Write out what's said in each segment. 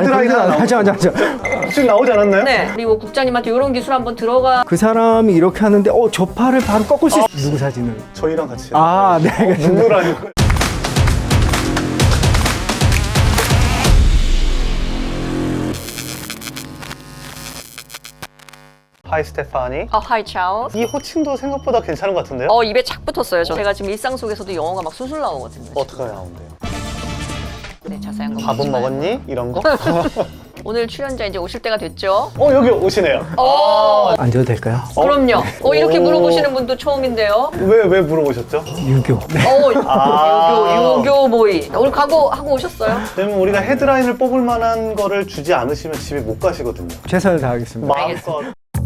헤드라인 하나 하자. 지금 나오지 않았나요? 네. 그리고 국장님한테 이런 기술 한번 들어가. 그 사람이 이렇게 하는데 저 팔을 바로 꺾을 수 있어. 누구 사진을? 저희랑 같이. 아, 네. 누구라니? 하이 스테파니. 하이 차오스. 이 호칭도 생각보다 괜찮은 것 같은데요? 입에 착 붙었어요. 제가 지금 일상 속에서도 영어가 막 술술 나오거든요. 어떻게 나오는데요? 네, 자세한 거 밥은 보지 마요. 먹었니? 이런 거? 오늘 출연자 이제 오실 때가 됐죠? 여기 오시네요. 앉아도 될까요? 그럼요. 이렇게 오. 물어보시는 분도 처음인데요. 왜 물어보셨죠? 유교. 유교 모의. 오늘 각오하고 오셨어요? 왜냐면 우리가 헤드라인을 뽑을 만한 거를 주지 않으시면 집에 못 가시거든요. 최선을 다하겠습니다. 마음껏.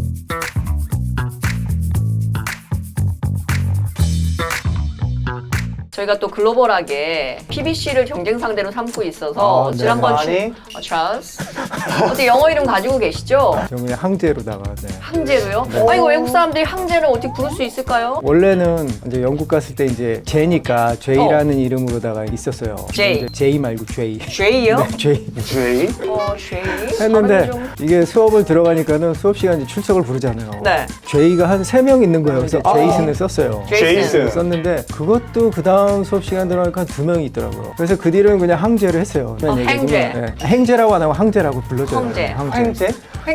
저희가 또 글로벌하게 PBC를 경쟁 상대로 삼고 있어서 네. 지난번 많이? 찰스 어떻게 영어 이름 가지고 계시죠? 저 그냥 항제로다가. 네. 항제로요? 이거 외국 사람들이 항제를 어떻게 부를 수 있을까요? 원래는 이제 영국 갔을 때 이제 제니까 제이라는 이름으로다가 있었어요. 제이. 근데 제이 말고 제이. 죄이요? 제이. 주의? 죄이? 했는데 발음이 좀- 이게 수업을 들어가니까는 수업 시간에 출석을 부르잖아요. 네. 제이가 한 3명 있는 거예요. 그래서 제이슨을 썼어요. 제이슨. 썼는데 그것도 그 다음 수업 시간 들어가니까 한 2명이 있더라고요. 그래서 그 뒤로는 그냥 항제를 했어요. 그냥 행제. 네. 행제라고 안 하고 항제라고 불러줘요. 항제. 황제?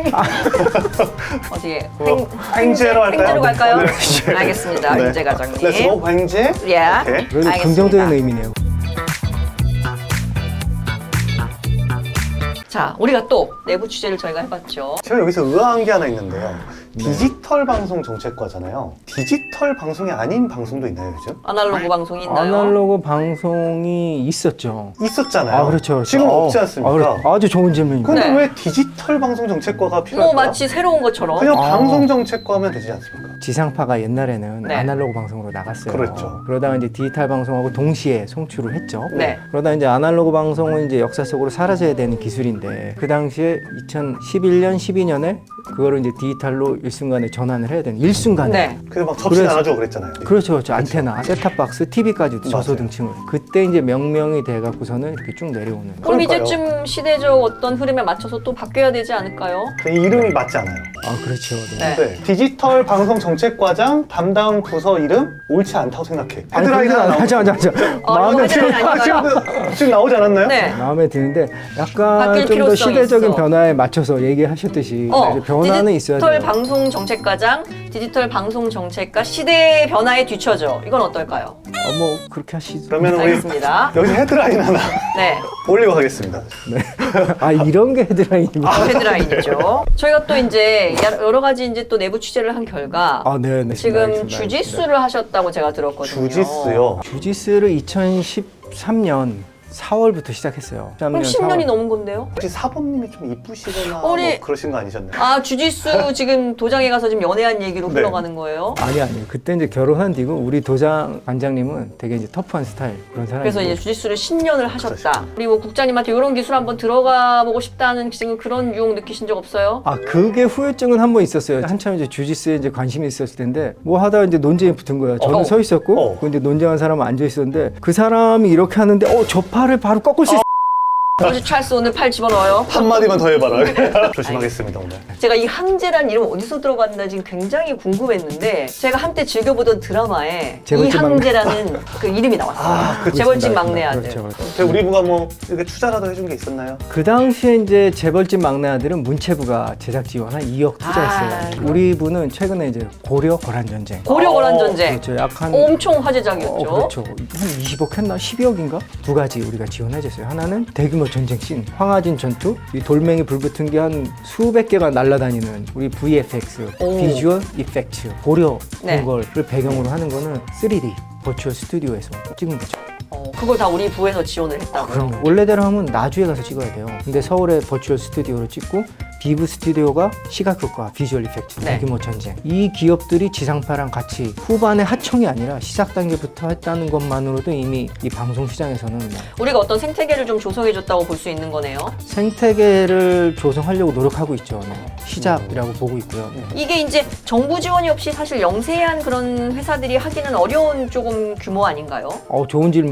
어디에? 황제로 할까요? 행제로 갈까요? 네. 알겠습니다. 네. 황제 과장님. 렛츠고 황제? 예. 오케이. 그래도 알겠습니다. 긍정적인 의미네요. 자, 우리가 또 내부 취재를 저희가 해봤죠. 제가 여기서 의아한 게 하나 있는데요. 디지털 방송 정책과잖아요. 디지털 방송이 아닌 방송도 있나요, 요즘? 아날로그 방송이 있나요? 아날로그 방송이 있었죠. 있었잖아요. 그렇죠. 지금 없지 않습니까? 아주 좋은 질문입니다. 근데 네. 왜 디지털 방송 정책과가 필요할까요? 마치 새로운 것처럼. 그냥 방송 정책과 하면 되지 않습니까? 지상파가 옛날에는 네. 아날로그 방송으로 나갔어요. 그렇죠. 그러다가 이제 디지털 방송하고 동시에 송출을 했죠. 네. 그러다 이제 아날로그 방송은 이제 역사 속으로 사라져야 되는 기술인데 그 당시에 2011년, 12년에 그거를 이제 디지털로 일순간에 전환을 해야 되는 일순간에. 네. 그래서 막 접시 그래서- 나눠주고 그랬잖아요. 그렇죠. 안테나, 셋탑박스, TV까지도 저소 등층을. 그때 이제 명명이 돼갖고서는 이렇게 쭉 내려오는. 그럼 그러니까요. 이제쯤 시대적 어떤 흐름에 맞춰서 또 바뀌어야 되지 않을까요? 이 이름이 맞지 않아요. 그렇죠. 네. 네. 디지털 방송 정책과장 담당 부서 이름 옳지 않다고 생각해. 헤드라인 하나 나오죠. 하자. 마음에 이거 헤드라인 아닌가요? 지금 나오지 않았나요? 네. 마음에 드는데 약간 바뀔 좀 더 필요성이 시대적인 있어. 변화에 맞춰서 얘기하셨듯이 변화는 있어야 디지털 돼요. 방송 정책과장, 디지털 방송 정책과 시대의 변화에 뒤처져. 이건 어떨까요? 뭐 그렇게 하시죠. 그러면 우리 알겠습니다. 여기서 헤드라인 하나 네. 올리고 가겠습니다. 이런 게 헤드라인입니다. 헤드라인이죠. 저희가 또 이제 여러 가지 이제 또 내부 취재를 한 결과 네. 지금 알겠습니다. 주짓수를 하셨다고 제가 들었거든요. 주짓수요. 주짓수를 2013년 4월부터 시작했어요. 그럼 10년이 넘은 건데요? 혹시 사범님이 좀 이쁘시거나 우리- 뭐 그러신 거 아니셨나요? 주짓수 지금 도장에 가서 지금 연애한 얘기로 네. 흘러가는 거예요? 아니요. 그때 이제 결혼한 뒤고 우리 도장 관장님은 되게 이제 터프한 스타일 그런 사람이고. 그래서 이제 주짓수를 10년을 하셨다. 그리고 국장님한테 이런 기술 한번 들어가 보고 싶다는 지금 그런 유혹 느끼신 적 없어요? 그게 후유증은 한 번 있었어요. 한참 이제 주짓수에 이제 관심이 있었을 텐데 뭐 하다가 이제 논쟁이 붙은 거예요. 저는 서 있었고 그 이제 논쟁한 사람은 앉아 있었는데 그 사람이 이렇게 하는데 저 팔을 바로 꺾을 수 있어. 아버지 찰스 오늘 팔 집어넣어요. 한마디만 더 해봐라. 조심하겠습니다 오늘. 제가 이 항제란 이름 어디서 들어봤나 지금 굉장히 궁금했는데 제가 한때 즐겨보던 드라마에 이 재벌집 막내. 항제라는 그 이름이 나왔어요. 재벌집 막내 아들. 그렇죠. 우리 부가 뭐 이렇게 투자라도 해준 게 있었나요? 그 당시에 이제 재벌집 막내 아들은 문체부가 제작 지원 한 2억 투자했어요. 우리 부는 최근에 이제 고려 거란 전쟁. 고려 거란 전쟁. 그렇죠. 약한 엄청 화제작이었죠. 그렇죠. 한 20억 했나? 12억인가? 두 가지 우리가 지원해줬어요. 하나는 대규모 전쟁 씬, 황하진 전투, 이 돌멩이 불붙은 게 한 수백 개가 날아다니는 우리 VFX, 비주얼 이펙트, 고려 네. 그런 걸 배경으로 하는 거는 3D 버추얼 스튜디오에서 찍은 거죠. 그걸 다 우리 부에서 지원을 했다고요? 그럼요. 원래대로 하면 나주에 가서 찍어야 돼요. 근데 서울에 버추얼 스튜디오로 찍고 비브 스튜디오가 시각효과, 비주얼 이펙트, 네. 대규모 전쟁. 이 기업들이 지상파랑 같이 후반에 하청이 아니라 시작 단계부터 했다는 것만으로도 이미 이 방송 시장에서는 우리가 어떤 생태계를 좀 조성해줬다고 볼 수 있는 거네요. 생태계를 조성하려고 노력하고 있죠. 시작이라고 보고 있고요. 이게 이제 정부 지원이 없이 사실 영세한 그런 회사들이 하기는 어려운 조금 규모 아닌가요? 좋은 질문이에요.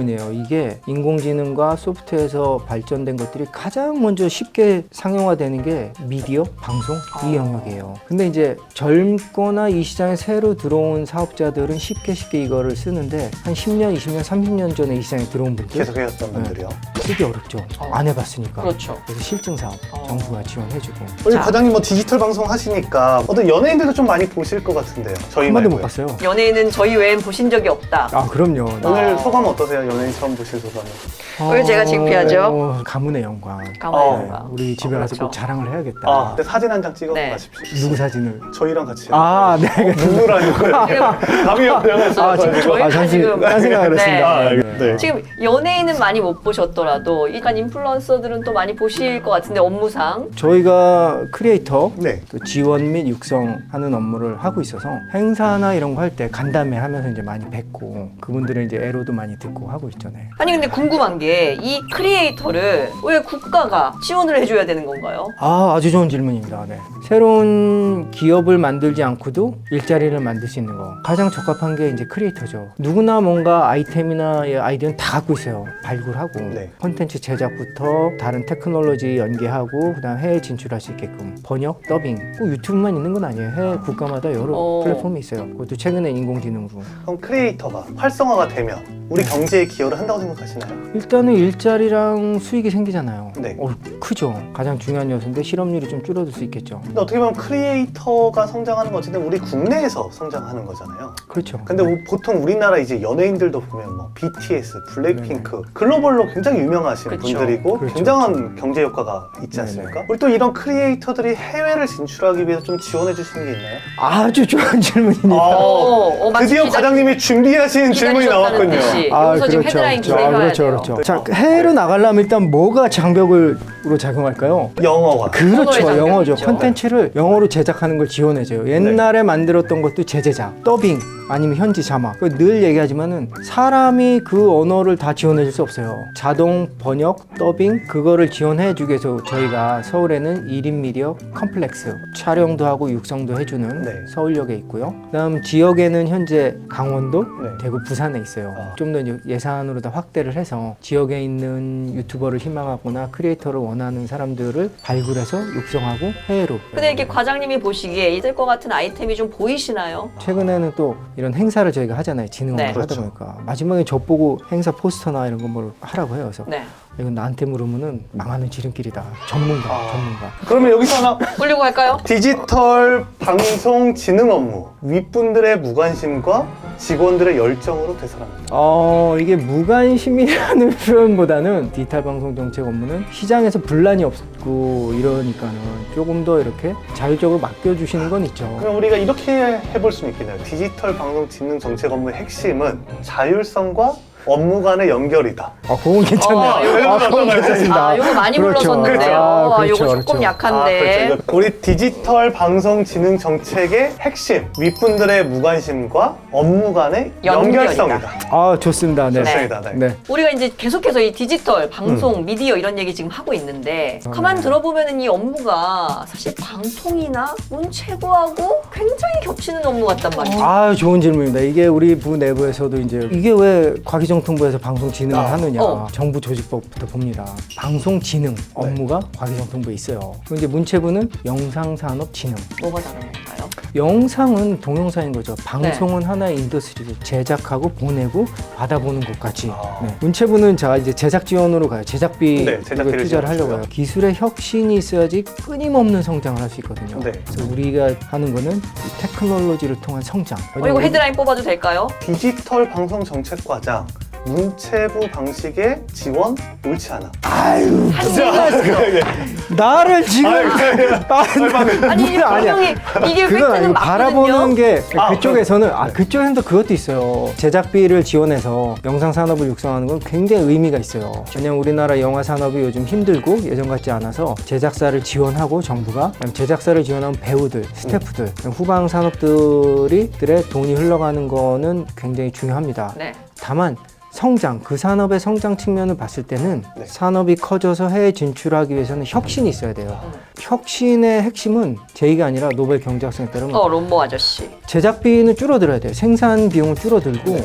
질문이에요. 이게 인공지능과 소프트웨어에서 발전된 것들이 가장 먼저 쉽게 상용화되는 게 미디어, 방송 이 영역이에요. 근데 이제 젊거나 이 시장에 새로 들어온 사업자들은 쉽게 이거를 쓰는데 한 10년, 20년, 30년 전에 이 시장에 들어온 분들 계속 해왔던 분들이요. 쓰기 어렵죠. 안 해봤으니까. 그렇죠. 그래서 실증 사업 정부가 지원해주고. 우리 자. 과장님 뭐 디지털 방송 하시니까 어떤 연예인들도 좀 많이 보실 것 같은데요. 저희 한 번도 못 말고요. 봤어요. 연예인은 저희 외엔 보신 적이 없다. 아 그럼요. 오늘 소감 어떠세요? 연예인 처음 보실 소감은? 오늘 제가 창피하죠? 가문의 영광. 가만히 우리 집에 가서 그렇죠. 꼭 자랑을 해야겠다. 아, 근데 사진 한 장 찍어 네. 가십시오. 누구 사진을? 저희랑 같이. 아, 네. 누구라는 거예요? 감이 없어요. 아, 저희가 잠시 지금- 딴 생각을 네. 했습니다. 아, 네. 네. 지금 연예인은 많이 못 보셨더라도 약간 인플루언서들은 또 많이 보실 것 같은데 업무상 저희가 크리에이터 네. 또 지원 및 육성하는 업무를 하고 있어서 행사나 이런 거 할 때 간담회 하면서 이제 많이 뵙고 그분들의 이제 애로도 많이 듣고 하고 있잖아요. 아니 근데 궁금한 게 이 크리에이터를 왜 국가가 지원을 해줘야 되는 건가요? 아주 좋은 질문입니다. 네. 새로운 기업을 만들지 않고도 일자리를 만들 수 있는 거 가장 적합한 게 이제 크리에이터죠. 누구나 뭔가 아이템이나 아이디어는 다 갖고 있어요. 발굴하고 네. 콘텐츠 제작부터 다른 테크놀로지 연계하고 그다음 해외 진출할 수 있게끔 번역, 더빙 꼭 유튜브만 있는 건 아니에요. 해외 국가마다 여러 플랫폼이 있어요. 그것도 최근에 인공지능으로 그럼 크리에이터가 활성화가 되면 우리 경제에 기여를 한다고 생각하시나요? 일단은 일자리랑 수익이 생기잖아요. 네. 크죠. 가장 중요한 요소인데 실업률이 좀 줄어들 수 있겠죠. 근데 어떻게 보면 크리에이터가 성장하는 건 어쨌든 우리 국내에서 성장하는 거잖아요. 그렇죠. 근데 보통 우리나라 이제 연예인들도 보면 뭐 BTS, 블랙핑크 글로벌로 굉장히 유명하신 그쵸. 분들이고 그렇죠. 굉장한 경제 효과가 있지 네네. 않습니까? 우리 또 이런 크리에이터들이 해외를 진출하기 위해서 좀 지원해 주시는 게 있나요? 아주 좋은 질문입니다. 드디어 마치 과장님이 준비하신 질문이 기다리셨다는 나왔군요. 듯이. 여기서 지금 헤드라인 기대해야 그렇죠, 돼요. 그렇죠. 자, 해외로 나가려면 일단 뭐가 장벽으로 작용할까요? 영어가. 그렇죠, 장벽이 영어죠. 있죠. 콘텐츠를 영어로 제작하는 걸 지원해줘요. 옛날에 만들었던 것도 재제작, 더빙, 아니면 현지 자막. 늘 얘기하지만은 사람이 그 언어를 다 지원해줄 수 없어요. 자동 번역, 더빙 그거를 지원해주기 위해서 저희가 서울에는 1인 미디어 컴플렉스 촬영도 하고 육성도 해주는 네. 서울역에 있고요. 그다음 지역에는 현재 강원도, 네. 대구, 부산에 있어요. 아. 좀 더 예산으로 더 확대를 해서 지역에 있는 유튜버를 희망하거나 크리에이터를 원하는 사람들을 발굴해서 육성하고 해외로. 근데 이렇게 과장님이 보시기에 있을 것 같은 아이템이 좀 보이시나요? 최근에는 또 이런 행사를 저희가 하잖아요. 진흥을 네. 하다 그렇죠. 보니까 마지막에 저 보고 행사 포스터나 이런 거 뭘 하라고 해요. 그래서 네. 이건 나한테 물으면은 망하는 지름길이다. 전문가. 그러면 여기서 하나 올리고 갈까요? 디지털 방송 진흥 업무 윗분들의 무관심과 직원들의 열정으로 되살아납니다. 이게 무관심이라는 표현보다는 디지털 방송 정책 업무는 시장에서 분란이 없고 이러니까는 조금 더 이렇게 자율적으로 맡겨주시는 건 있죠. 그럼 우리가 이렇게 해볼 수는 있겠네요. 디지털 방송 진흥 정책 업무의 핵심은 자율성과 업무 간의 연결이다. 그건 괜찮네요. 그건 괜찮습니다. 아, 요거 많이 그렇죠. 불렀었는데요. 아, 요거 그렇죠, 조금 그렇죠. 약한데. 그렇죠. 우리 디지털 방송 진흥 정책의 핵심 윗분들의 무관심과 업무 간의 연결이다. 연결성이다. 좋습니다. 네. 좋습니다. 네. 네. 우리가 이제 계속해서 이 디지털, 방송, 미디어 이런 얘기 지금 하고 있는데 가만 들어보면은 이 업무가 사실 방통이나 문체부하고 굉장히 겹치는 업무 같단 말이에요. 좋은 질문입니다. 이게 우리 부 내부에서도 이제 이게 왜 과기정통부에서 방송진흥을 하느냐. 정부 조직법부터 봅니다. 방송진흥 업무가 과기정통부에 있어요. 그리고 이제 문체부는 영상산업진흥. 뭐가 다른 건가요? 영상은 동영상인 거죠. 방송은 하나의 인더스트리죠. 제작하고 보내고 받아보는 것까지. 네. 문체부는 자 이제 제작 지원으로 가요. 제작비 네, 제작비를 투자를 하려고 지원해줘요. 해요. 기술의 혁신이 있어야지 끊임없는 성장을 할 수 있거든요. 네. 그래서 우리가 하는 거는 이 테크놀로지를 통한 성장. 이거 헤드라인 뽑아도 될까요? 디지털 방송 정책과장 문체부 방식의 지원 옳지 않아. 나를 지금 아니 이게 분명히 이게 그건 팩트는 아니고 바라보는 맞거든요. 게 그쪽에서는 그쪽에서는 또 그것도 있어요. 제작비를 지원해서 영상 산업을 육성하는 건 굉장히 의미가 있어요. 왜냐면 우리나라 영화 산업이 요즘 힘들고 예전 같지 않아서 제작사를 지원하고 정부가 제작사를 지원하면 배우들, 스태프들, 후방 산업들의 돈이 흘러가는 거는 굉장히 중요합니다. 네. 다만 성장, 그 산업의 성장 측면을 봤을 때는 네. 산업이 커져서 해외 진출하기 위해서는 혁신이 있어야 돼요. 혁신의 핵심은 제의가 아니라 노벨 경제학상에 따르면 롬모 아저씨. 제작비는 줄어들어야 돼요. 생산 비용은 줄어들고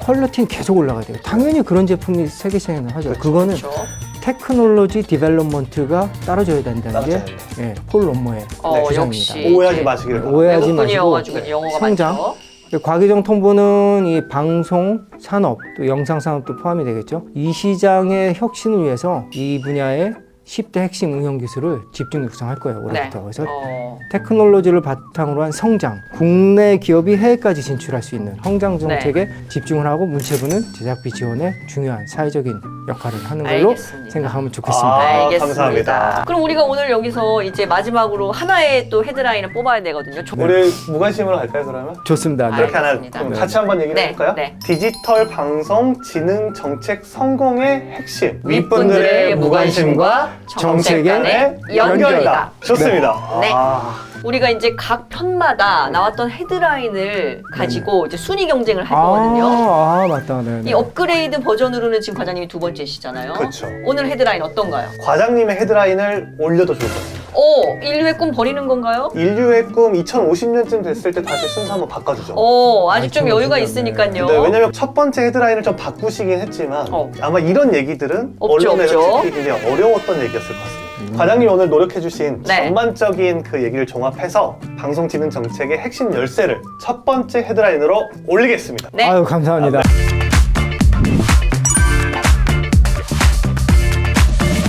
퀄리티는 계속 올라가야 돼요. 당연히 그런 제품이 세계 시장에 나가죠. 그거는 그렇죠. 테크놀로지 디벨롭먼트가 따라줘야 된다는 게 따라줘야 예, 폴 롬머의 주장입니다. 역시 오해하지 이제 마시기를 바랍니다. 오해하지 외국분이어가지고 마시고 영어가 성장. 많죠. 과기정통부는 이 방송 산업 또 영상 산업도 포함이 되겠죠. 이 시장의 혁신을 위해서 이 분야의 10대 핵심 응용 기술을 집중 육성할 거예요. 올해부터. 네. 그래서 테크놀로지를 바탕으로 한 성장, 국내 기업이 해외까지 진출할 수 있는 성장 정책에 집중을 하고 문체부는 제작비 지원에 중요한 사회적인 역할을 하는 걸로 알겠습니다. 생각하면 좋겠습니다. 아, 알겠습니다. 감사합니다. 그럼 우리가 오늘 여기서 이제 마지막으로 하나의 또 헤드라인을 뽑아야 되거든요. 우리 무관심으로 할까요 그러면? 좋습니다. 네. 그렇게 하나 알겠습니다. 그럼 네. 같이 한번 얘기를 네, 해볼까요? 네. 디지털 방송 지능 정책 성공의 핵심 윗분들의 무관심과 정책 간의 연결이다. 좋습니다. 네. 아, 우리가 이제 각 편마다 나왔던 헤드라인을 가지고 이제 순위 경쟁을 할 거거든요. 맞다. 네. 이 업그레이드 버전으로는 지금 과장님이 두 번째시잖아요. 그렇죠. 오늘 헤드라인 어떤가요? 과장님의 헤드라인을 올려도 좋을 것 같아요. 오, 인류의 꿈 버리는 건가요? 인류의 꿈 2050년쯤 됐을 때 다시 순서 한번 바꿔주죠. 오, 아직 좀 여유가 2050년, 네. 있으니까요. 네, 왜냐면 첫 번째 헤드라인을 좀 바꾸시긴 했지만 아마 이런 얘기들은 없죠, 언론에서 없죠. 찍히기 굉장히 어려웠던 얘기였을 것 같습니다. 과장님이 오늘 노력해주신 네. 전반적인 그 얘기를 종합해서 방송지능 정책의 핵심 열쇠를 첫 번째 헤드라인으로 올리겠습니다. 네. 아유, 감사합니다.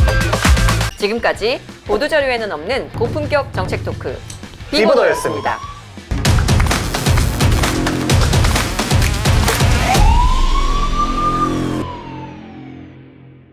지금까지 보도자료에는 없는 고품격 정책 토크 비보더였습니다.